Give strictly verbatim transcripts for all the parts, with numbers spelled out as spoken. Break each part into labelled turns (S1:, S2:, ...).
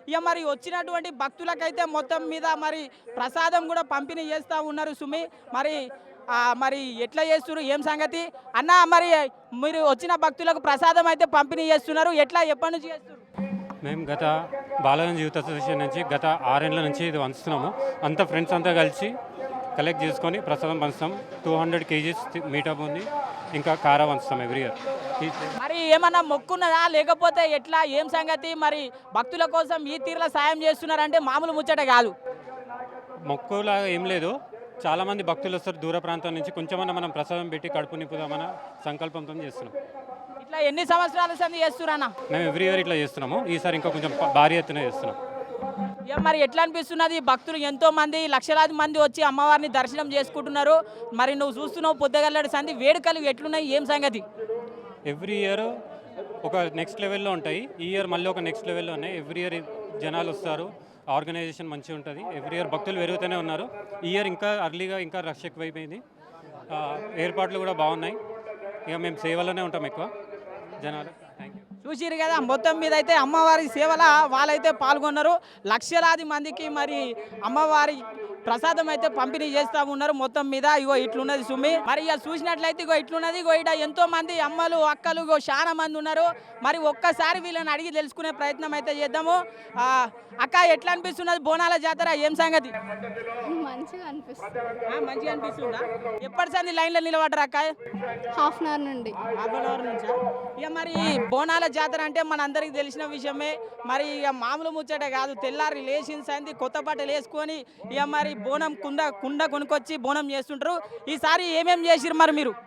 S1: ఇక మరి వచ్చినటువంటి భక్తులకైతే మొత్తం మీద మరి ప్రసాదం కూడా పంపిణీ చేస్తూ ఉన్నారు సుమి. మరి ఆ, మరి ఎట్లా చేస్తున్నారు ఏం సంగతి అన్న? మరి మీరు వచ్చిన భక్తులకు ప్రసాదం అయితే పంపిణీ చేస్తున్నారు, ఎట్లా ఎప్పటి నుంచి చేస్తున్నారు?
S2: మేము గత బాలగంజ్ యూత్ అసోసియేషన్ నుంచి గత ఆరేళ్ల నుంచి ఇది వంచుతున్నాము. అంతా ఫ్రెండ్స్ అంతా కలిసి కలెక్ట్ చేసుకొని ప్రసాదం పంచుతాం. టూ హండ్రెడ్ కేజీస్ మీటప్ ఉంది, ఇంకా కారా వంచుతాం ఎవ్రీ ఇయర్.
S1: మరి ఏమన్నా మొక్కున్నదా లేకపోతే ఎట్లా ఏం సంగతి? మరి భక్తుల కోసం ఈ తీరులో సాయం చేస్తున్నారంటే మామూలు ముచ్చట కాదు.
S2: మొక్కులాగా ఏం లేదు, చాలామంది భక్తులు వస్తారు దూర ప్రాంతం నుంచి, కొంచెమన్నా మనం ప్రసాదం పెట్టి కడుపు నింపుదామన్న సంకల్పంతో చేస్తున్నాం.
S1: ఇట్లా ఎన్ని సంవత్సరాల సంది చేస్తున్నా?
S2: మేము ఎవ్రీ ఇయర్ ఇట్లా చేస్తున్నాము, ఈసారి ఇంకా కొంచెం భారీ ఎత్తున చేస్తున్నాం.
S1: ఇక మరి ఎట్లా అనిపిస్తున్నది? భక్తులు ఎంతో మంది లక్షలాది మంది వచ్చి అమ్మవారిని దర్శనం చేసుకుంటున్నారు. మరి నువ్వు చూస్తున్నావు పొద్దుగల్లడి సంధి వేడుకలు ఎట్లున్నాయి ఏం సంగతి?
S2: ఎవ్రీ ఇయర్ ఒక నెక్స్ట్ లెవెల్లో ఉంటాయి, ఈ ఇయర్ మళ్ళీ ఒక నెక్స్ట్ లెవెల్లో ఉన్నాయి. ఎవ్రీ ఇయర్ జనాలు వస్తారు, ఆర్గనైజేషన్ మంచిగా ఉంటుంది. ఎవ్రీ ఇయర్ భక్తులు పెరుగుతూనే ఉన్నారు. ఈ ఇయర్ ఇంకా అర్లీగా ఇంకా రష్ ఎక్కువైపోయింది. ఏర్పాట్లు కూడా బాగున్నాయి. ఇక మేము సేవలోనే ఉంటాం ఎక్కువ జనాలు. Thank you.
S1: చూసిరు కదా, మొత్తం మీద అయితే అమ్మవారి సేవల వాళ్ళైతే పాల్గొన్నారు. లక్షలాది మందికి మరి అమ్మవారి ప్రసాదం అయితే పంపిణీ చేస్తూ ఉన్నారు. మొత్తం మీద ఇగో ఇట్లున్నది సుమి. మరి ఇక చూసినట్లయితే ఇగో ఇట్లున్నది. ఇగో ఇట ఎంతో మంది అమ్మలు అక్కలు ఇగో చాలా మంది ఉన్నారు. మరి ఒక్కసారి వీళ్ళని అడిగి తెలుసుకునే ప్రయత్నం అయితే చేద్దాము. ఆ, అక్క ఎట్లా అనిపిస్తున్నది బోనాల జాతర ఏం సంగతి?
S3: మంచిగా అనిపిస్తుంది.
S1: ఆ, మంచిగా అనిపిస్తుందా? ఎప్పటి సంది లైన్లో నిలబడరా అక్క?
S3: హాఫ్ అన్ అవర్ నుండి.
S1: హాఫ్ అన్ అవర్ నుంచా? ఇక మరి బోనాల జాతర అంటే మన అందరికి తెలిసిన విషయమే. మరి ఇక మామూలు ముచ్చట కాదు. తెల్లారి లేచిన సంది కొత్త బట్టలు వేసుకొని ఇక మరి బోనం కుండ కుండ కొనుక్కొచ్చి బోనం చేస్తుంటారు. ఈసారి ఏమేమి చేసిరు మరి మీరు?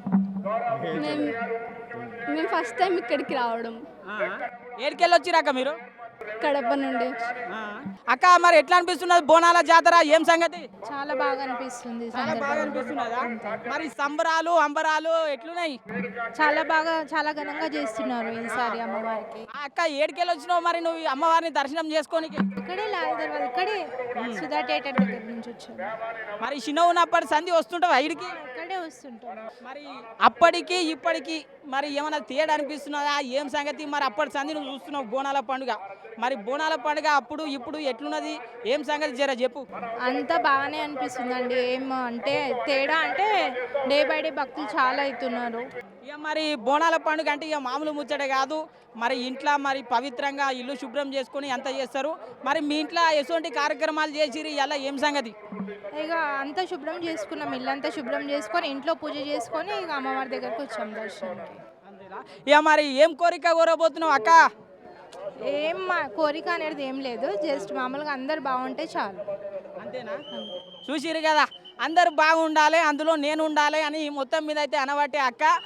S3: మేము మేము ఫస్ట్ టైం ఇక్కడికి రావడం.
S1: ఏడికెళ్ళి వచ్చిరాక మీరు?
S3: కడప నుండి.
S1: అక్క మరి ఎట్లా అనిపిస్తున్నది బోనాల జాతర ఏం సంగతి?
S3: చాలా బాగా అనిపిస్తుంది.
S1: చాలా బాగా అనిపిస్తున్నదా? మరి సంబరాలు అంబరాలు ఎట్లున్నాయి?
S3: చాలా బాగా చాలా ఘనంగా చేస్తున్నారు ఈసారి అమ్మవారికి.
S1: ఆ అక్క ఏడికెళ్ళి వచ్చినావు మరి నువ్వు ఈ అమ్మవారిని దర్శనం చేసుకోనికి?
S3: ఇక్కడే లాల్ దర్వాజ, ఇక్కడే సుధా థియేటర్ దగ్గర నుంచి వచ్చాను.
S1: మరి చిన్న ఉన్నప్పటి సంధి వస్తుంటావు ఐడికి?
S3: ఇక్కడే వస్తుంటాను.
S1: మరి అప్పటికి ఇప్పటికి మరి ఏమైనా తేడా అనిపిస్తున్నదా ఏం సంగతి? మరి అప్పటి సంధి నువ్వు చూస్తున్నావు బోనాల పండుగ. మరి బోనాల పండుగ అప్పుడు ఇప్పుడు ఎట్లున్నది ఏం సంగతి జర చెప్పు.
S3: అంతా బాగానే అనిపిస్తుందండి. ఏం అంటే తేడా అంటే డే బై డే భక్తులు చాలా అవుతున్నారు.
S1: ఇక మరి బోనాల పండుగ అంటే ఇక మామూలు ముచ్చట కాదు. మరి ఇంట్లో మరి పవిత్రంగా ఇల్లు శుభ్రం చేసుకొని అంత చేస్తారు. మరి మీ ఇంట్లో ఎటువంటి కార్యక్రమాలు చేసిరు ఇలా ఏం సంగతి?
S3: ఇక అంతా శుభ్రం చేసుకున్నాం, ఇల్లంతా శుభ్రం చేసుకొని ఇంట్లో పూజ చేసుకొని ఇక అమ్మవారి దగ్గరకు వచ్చాం దర్శనానికి.
S1: అంతేనా? ఇక మరి ఏం కోరిక కోరబోతున్నావు అక్క?
S3: ఏం మా కోరిక అనేది ఏం లేదు, జస్ట్ మామూలుగా అందరు బాగుంటే చాలు.
S1: అంతేనా? చూసిరు కదా, అందరు బాగుండాలి అందులో నేను ఉండాలి అని మొత్తం మీద అయితే అనబట్టే అక్క